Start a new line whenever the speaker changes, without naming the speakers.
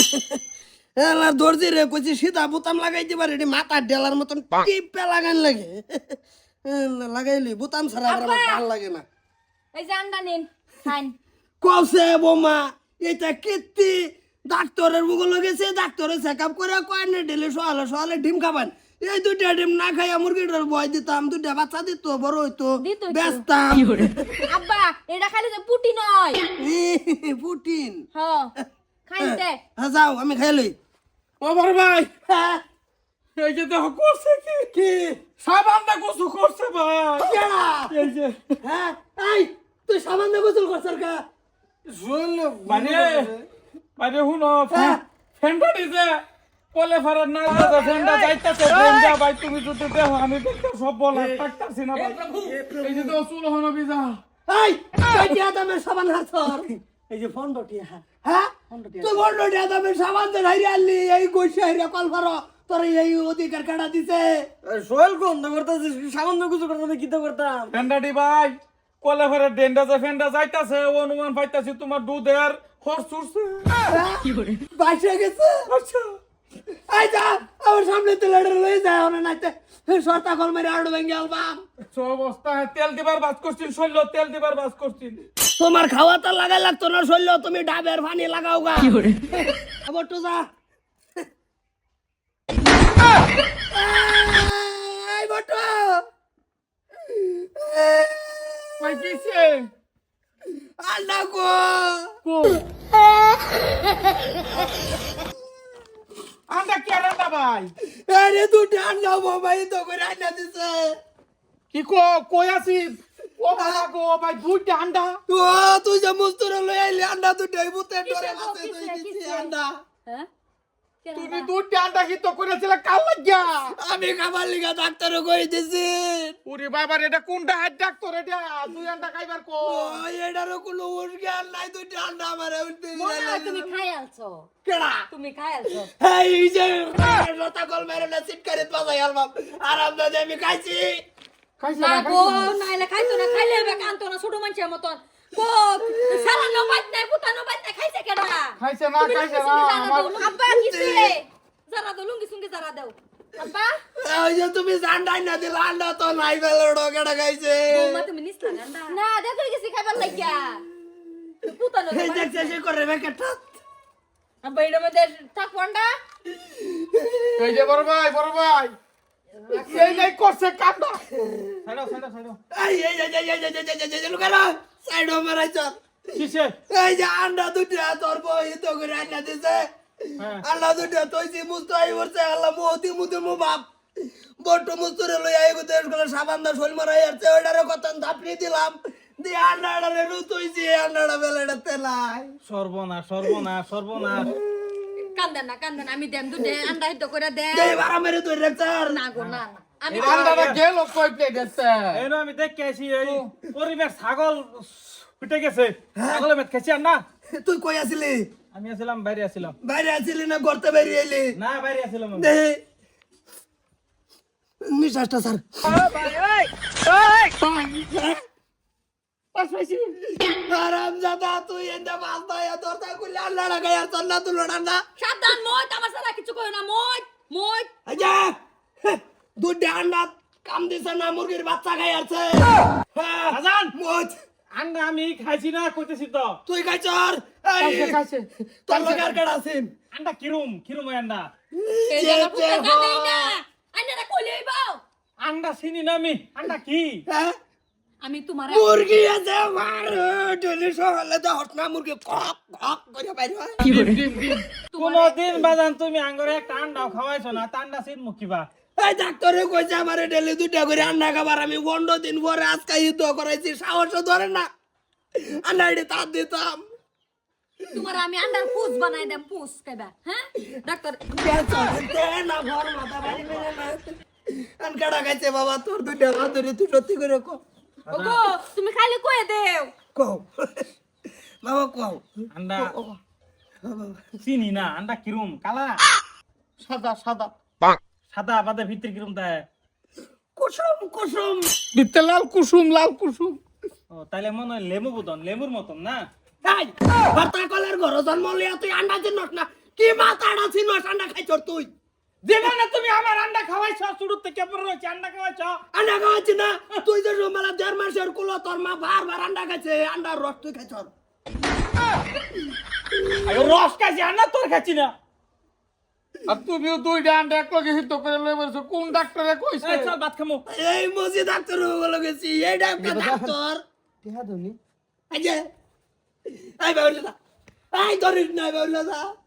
এলার দর্জি রে কইছি সিধা বোতাম লাগাইতে পারে এটি মাথার ডেলার মতন টিপে লাগান লাগে লাগাইলি বোতাম ছাড়া আবার আমার ভালো লাগে না
এই যে আন্ডা নিন খান
কসে বোমা এটা কীর্তি ডাক্তারের মুগল গেছে ডাক্তারে চেক আপ করে কয় না ডেলি সকালে সকালে ডিম খাবেন এই দুইটা ডিম না খাইয়া মুরগিটার বয় দিতাম দুইটা বাচ্চা দিত বড় হইতো
দিত তো।
বেচতাম
আব্বা এটা খালি যে পুটি নয়
পুটিন
হ্যাঁ খাইতে
হ্যাঁ যাও আমি খাই লই
ও বড় ভাই
হ্যাঁ
এই যে দেখো করছে কি
কি
সাবানটা গোসল করছে ভাই
কেডা?
এই যে
হ্যাঁ এই তুই সামান্য গোসল করছর কা
মানে মানে হুনো
হ্যাঁ।
ফ্যানটা দিছে কলে ফারার না দাদা ফ্যানটা যাইতাছে ফ্যানটা ভাই তুমি যদি দেখো আমি দেখতে সব বলা থাকতাছি না ভাই এই যে তো চুল হনো বিজা
এই কইটিয়া দামের সাবান হাতর
এই যে ফন্ডটিয়া
হ্যাঁ তুই বড়টিয়া দামের সাবান দে হাইরে আনলি এই গইছে হাইরে কল ফারো তোর এই অধিকার কাটা দিছে
সোহেল গন্ধ করতেছিস সামান্য কিছু করতে কি তো করতাম
ফ্যানটা দি ভাই কলে ফারার ডেন্ডা যে ফ্যানটা যাইতাছে অনুমান পাইতাছি তোমার দুধের হর চুরছে
বাইসে গেছে
আচ্ছা
এই যা আমার সামনে তো লড়ে লই যায় ওনা নাইতে সরতা কল মেরে আড় ভেঙে আলবাম
সব অবস্থা তেল দিবার বাস করছিস শৈল তেল দিবার বাস করছিস
তোমার খাওয়া তো লাগাই লাগতো না শৈল তুমি ডাবের পানি লাগাও গা আবার তো যা এই বটো
ভাই কিসে
আন্ডা গো
আন্ডা কে রান্না ভাই
আরে দুটো আন্ডা বাবাই তো করে আন্ডা দিছে
কি কই আছিস ও বাবা গো ভাই দুইটা আন্ডা
ও তুই যে মুস্তুরে লই আইলি আন্ডা দুটোই বুতে ডরে আছে তুই দিছি আন্ডা
হ্যাঁ
তুমি দুইটা আন্ডা কি তো করেছিলে কাল লাগিয়া
আমি খাবার লিগা ডাক্তার কই দিছি
ওরে বাবা এটা কোনটা হাত ডাক্তার এটা দুই আন্ডা খাইবার কো
ও এটারও কোনো উর্গান নাই দুটো আন্ডা আমারে উঠতে
মনে হয় তুমি খাই আলছো
কেডা
তুমি খাই আলছো
এই যে লতা কল মেরে না সিটকারে বাজাই আলবাম আরাম দাদা আমি খাইছি
খাইছে
না
না
গো নাইলে খাইতো না খাইলে হবে কান্ত না ছোট মানুষের মতন গো সারা নবাত নাই পুতা নবাত নাই খাইছে কেডা
খাইছে না আমার
আব্বা কিছে যারা দাও লুঙ্গি সুঙ্গি যারা দাও আব্বা
ওই যে তুমি জান্ডাই না দিলা আন্ডা তো নাই বেলড়ো কেডা খাইছে
বৌমা তুমি নিস্তা গান্ডা না দেখো কিছু খাইবার লাগিয়া পুতা ন
এই দেখছে সে করে বেকেটা
আব্বা এর মধ্যে থাক পন্ডা
এই যে বড় ভাই এই নাই করছে কান্ডা ছাড়ো
এই লুকারা সাইড মারাইছ
কিসে
এই যে আন্ডা দুটা তোর বই তো করে আন্ডা দিছে আল্লাহ দুটা তৈছি মুস্ত আই বলছে আল্লাহ মোহতি মুতে মো বাপ বট্ট মুস্তরে লই আই গো দেশ গলা সাবান দা শোল মারাই আছে ওইটারে কতন ধাপড়ি দিলাম দি আন্ডাড়ারে রুতইছি আন্ডাড়া বেলেটা তেলাই
সর্বনাশ
কান্দন আমি দেম দুটে আন্ডা হিদ্ধ করে দে
দেই বারা মেরে তুই রেক্টার
না গো না আমি
আন্ডাটা গেল কই প্লেট আছে
এইনো আমি দেখে আছি এই পরিবেশ ছাগল উঠে গেছে ছাগলের মেট খেছি আর না
তুই কই আছিলি
আমি আসলাম বাইরে আসলাম
বাইরে আছিলি না গর্তে বাইরে এলি
না বাইরে আসলাম আমি।
দে নিশ্বাসটা স্যার আরাম জাদা তুই এন্ডা মাছ দায়া দরতা কইলে আল্লাহড়া গায়ার চন্না তুলড়া না
সাবধান মই আমার সারা কিছু কই না মই
আজা দুধ আন্ডা কাম দিছে না মুরগির বাচ্চা খাই আছে
আজান
মোচ
আন্ডা আমি খাইছি না কইতেছি তো
তুই খাইছর
খাইছে
তোর লগার কাড়া আছেন
আন্ডা কিরম ওই আন্ডা
এই জায়গা পুতা জানেই না আইনারা কইলেই বাও
আন্ডা চিনি না আমি আন্ডা কি
হ্যাঁ
আমি তোমারে
মুরগি আছে মার ডলি সকালে তো হটনা মুরগি কক কক করে বাইরে হয়
কোনদিন বাজান তুমি আঙ্গরে একটা আন্ডাও খাওয়াইছো না তা আন্ডা চিন মুখিবা
এই ডাক্তারে কইছে আমারে ডেলি দুটা করে আন্ডা খাবার আমি 15 দিন পরে আজকে ইতো করাইছি সাহস ধরে না আন্ডা এডি তাত দিতাম
তোমার আমি আন্ডার পুস বানাই দেম পুস কইবা হ্যাঁ ডাক্তার
তে না ঘর মাথা বাড়ি মেরে না আন কাটা খাইছে বাবা তোর দুটা হাত ধরে তুই সত্যি করে কো
ওগো তুমি খালি কই দেও
কো বাবা কো
আন্ডা চিনি না আন্ডা কিরম কালা
সাদা
সাদা বাদে ভিতরে কিরম তাই
কুসুম কুসুম
দিতে লাল কুসুম
ও তাইলে মনে হয় লেবুর মতন না
তাই বার্তা কলের ঘর জন্ম লিয়া তুই আন্ডা চিনস না কি মাথাটা ছিল ঠান্ডা খাইছর তুই
জীবনে তুমি আমার আন্ডা খাওয়াইছো শুরু থেকে পরে রয়েছে আন্ডা খাওয়াইছো
আন্ডা খাওয়াচ্ছি না তুই যে মেলা 1.5 মাসের কুলো তোর মা বারবার আন্ডা খাইছে আন্ডার রস তুই খাইছর
আরে রস খাইছি আন্ডা তোর খাচ্ছি না
আর তুমিও দুইটা আন্ডা একলগে হিদ্ধ করে লয়ে বলছো কোন ডাক্তারে কইছে
এই চল ভাত খামু
এই মসজিদ ডাক্তার বলে গেছি এই ডাক্তার
টিহা ধনি
এই যে এই বাউলা এই ধরিস না বাউলা